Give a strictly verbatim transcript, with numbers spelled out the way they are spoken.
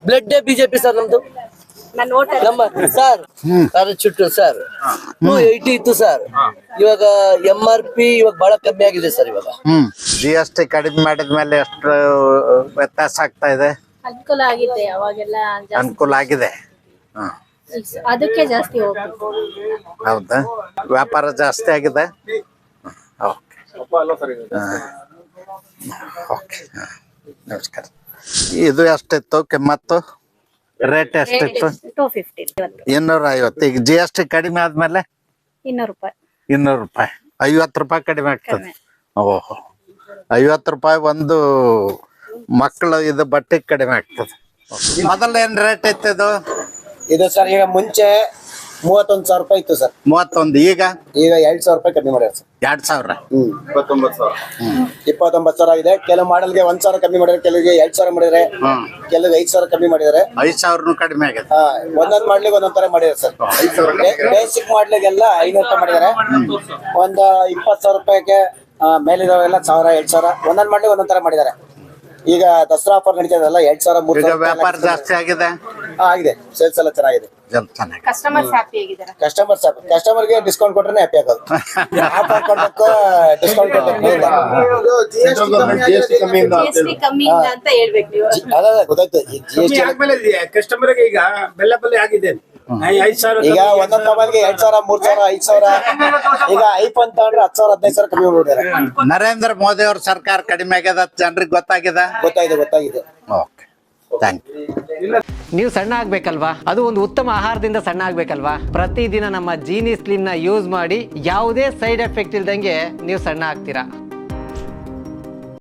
Blood BJP sir ನಮ್ದು ನಮ್ಮ sir ಚುಟ್ಟು ಸರ್ ಟೂ ಏಯ್ಟಿ ಇತ್ತು ಸರ್. ಇವಾಗ ಎಂ ಆರ್ ಪಿ ಇವಾಗ ಬಹಳ ಕಮ್ಮಿ ಆಗಿದೆ ಸರ್. ಇವಾಗ ಹ್ಮ್ ಜಿ ಎಸ್ ಟಿ ಕಡಿಮೆ ಮಾಡಿದ್ಮೇಲೆ ಎಷ್ಟು ವ್ಯತ್ಯಾಸ ಆಗ್ತಾ ಇದೆ? ಅನುಕೂಲ ಆಗಿದೆ. ಅವಾಗೆಲ್ಲ ಅನುಕೂಲ ಆಗಿದೆ. ಹ್ಮ್ ಅದಕ್ಕೆ ಜಾಸ್ತಿ ಹೋಗ್ಬೇಕು. ಹೌದಾ? ವ್ಯಾಪಾರ ಜಾಸ್ತಿ ಆಗಿದೆ. ಓಕೆ ಓಕೆ ನಮಸ್ಕಾರ. ಇದು ಎಷ್ಟಿತ್ತು ಕಿಮ್ಮತ್ತು? ರೇಟ್ ಎಷ್ಟಿತ್ತು? ಟೂ ಫಿಫ್ಟಿ ಇನ್ನೂರ ಐವತ್ತು. ಈಗ ಜಿ ಎಸ್ ಟಿ ಕಡಿಮೆ ಆದ್ಮೇಲೆ ಇನ್ನೂರು ರೂಪಾಯಿ ಇನ್ನೂರು ರೂಪಾಯಿ ಐವತ್ತು ರೂಪಾಯಿ ಕಡಿಮೆ ಆಗ್ತದೆ. ಓಹೋ, ಐವತ್ತು ರೂಪಾಯಿ ಒಂದು ಮಕ್ಕಳು ಇದು ಬಟ್ಟೆ ಕಡಿಮೆ ಆಗ್ತದೆ. ಮೊದಲ ಏನ್ ರೇಟ್ ಇತ್ತು ಇದು? ಇದು ಸರ್ ಈಗ ಮುಂಚೆ ಮೂವತ್ತೊಂದು ಸಾವಿರ ರೂಪಾಯಿ ಇತ್ತು ಸರ್. ಮೂವತ್ತೊಂದು. ಈಗ ಈಗ ಎರಡ್ ಸಾವಿರ ರೂಪಾಯಿ ಕಮ್ಮಿ ಮಾಡ್ಯಾರ ಸರ್. ಎರಡ್ ಸಾವಿರ ಹ್ಮ್ ಇಪ್ಪತ್ತೊಂಬತ್ತು ಸಾವಿರ ಇಪ್ಪತ್ತೊಂಬತ್ತು ಸಾವಿರ ಇದೆ. ಕೆಲವು ಮಾಡಲ್ಗೆ ಒಂದ್ ಸಾವಿರ ಕಮ್ಮಿ ಮಾಡಿದ್ರೆ, ಕೆಲವಿಗೆ ಎರಡ್ ಸಾವಿರ ಮಾಡಿದ್ರೆ, ಕೆಲವು ಐದ್ ಸಾವಿರ ಕಮ್ಮಿ ಮಾಡಿದಾರೆ. ಐದ್ ಸಾವಿರ ಕಡಿಮೆ ಆಗಿದೆ. ಹಾ, ಒಂದೊಂದ್ ಮಾಡ್ಲಿಕ್ಕೆ ಒಂದೊಂದ್ ತರ ಮಾಡಿದಾರೆ ಸರ್. ಬೇಸಿಕ್ ಮಾಡ್ಲಿಕ್ಕೆಲ್ಲ ಐನೂರು ರೂಪಾಯಿ ಮಾಡಿದಾರೆ. ಒಂದ್ ಇಪ್ಪತ್ ಸಾವಿರ ರೂಪಾಯಿಗೆ ಮೇಲಿರೋವೆಲ್ಲ ಸಾವಿರ ಎರಡ್ ಸಾವಿರ ಒಂದೊಂದ್ ಮಾಡ್ಲಿಕ್ಕೆ ಒಂದೊಂದ್ ತರ ಮಾಡಿದಾರೆ. ಈಗ ದಸರಾ ಆಫರ್ ನಡೀತದಲ್ಲ, ಎರಡ್ ಸಾವಿರ ಮೂರ್ ಸಾವಿರ ವ್ಯಾಪಾರ ಜಾಸ್ತಿ ಆಗಿದೆ. ಆಗಿದೆ. ಸೇಲ್ಸ್ ಎಲ್ಲ ಚೆನ್ನಾಗಿದೆ. ಕಸ್ಟಮರ್ಸ್ ಹ್ಯಾಪಿ ಆಗಿದ್ದಾರೆ. ಕಸ್ಟಮರ್ಸ್ ಕಸ್ಟಮರ್ ಗೆ ಡಿಸ್ಕೌಂಟ್ ಕೊಟ್ರೆ ಹ್ಯಾಪಿ ಆಗೋದು. ಆಫರ್ ಕೊಡ್ಬೇಕು, ಡಿಸ್ಕೌಂಟ್ ಜಿಎಸ್ಟಿ ಕಮ್ಮಿ ಇಲ್ಲ ಅಂತ ಹೇಳ್ಬೇಕು ನೀವು. ಅದ ಗೊತ್ತಾಯ್ತು. ಜಿ ಎಸ್ ಟಿ ಕಸ್ಟಮರ್ ಈಗ ಬೆಲ್ಲ ಬೆಲ್ಲ ಆಗಿದೆ. ಈಗ ಒಂದೊಂದ್ ಮೊಬೈಲ್ಗೆ ಎರಡ್ ಸಾವಿರ ಮೂರ್ ಸಾವಿರ ಐದ್ ಸಾವಿರ. ಈಗ ಐಫೋನ್ ತಗೊಂಡ್ರೆ ಹತ್ತು ಸಾವಿರ ಹದಿನೈದು ಸಾವಿರ ಕಮ್ಮಿ ಮಾಡ್ಬಿಡ್ತಾರೆ. ನರೇಂದ್ರ ಮೋದಿ ಅವ್ರ ಸರ್ಕಾರ ಕಡಿಮೆ ಆಗ್ಯದ, ಜನರಿಗೆ ಗೊತ್ತಾಗಿದೆ. ಗೊತ್ತಾಗಿದೆ ಗೊತ್ತಾಗಿದೆ ಓಕೆ, ಥ್ಯಾಂಕ್ ಯು. ನೀವು ಸಣ್ಣ ಆಗ್ಬೇಕಲ್ವಾ? ಅದು ಒಂದು ಉತ್ತಮ ಆಹಾರದಿಂದ ಸಣ್ಣ ಆಗ್ಬೇಕಲ್ವಾ? ಪ್ರತಿದಿನ ನಮ್ಮ ಜೀನಿ ಸ್ಲಿಮ್ ನ ಯೂಸ್ ಮಾಡಿ ಯಾವುದೇ ಸೈಡ್ ಎಫೆಕ್ಟ್ ಇಲ್ದಂಗೆ ನೀವು ಸಣ್ಣ ಆಗ್ತೀರಾ.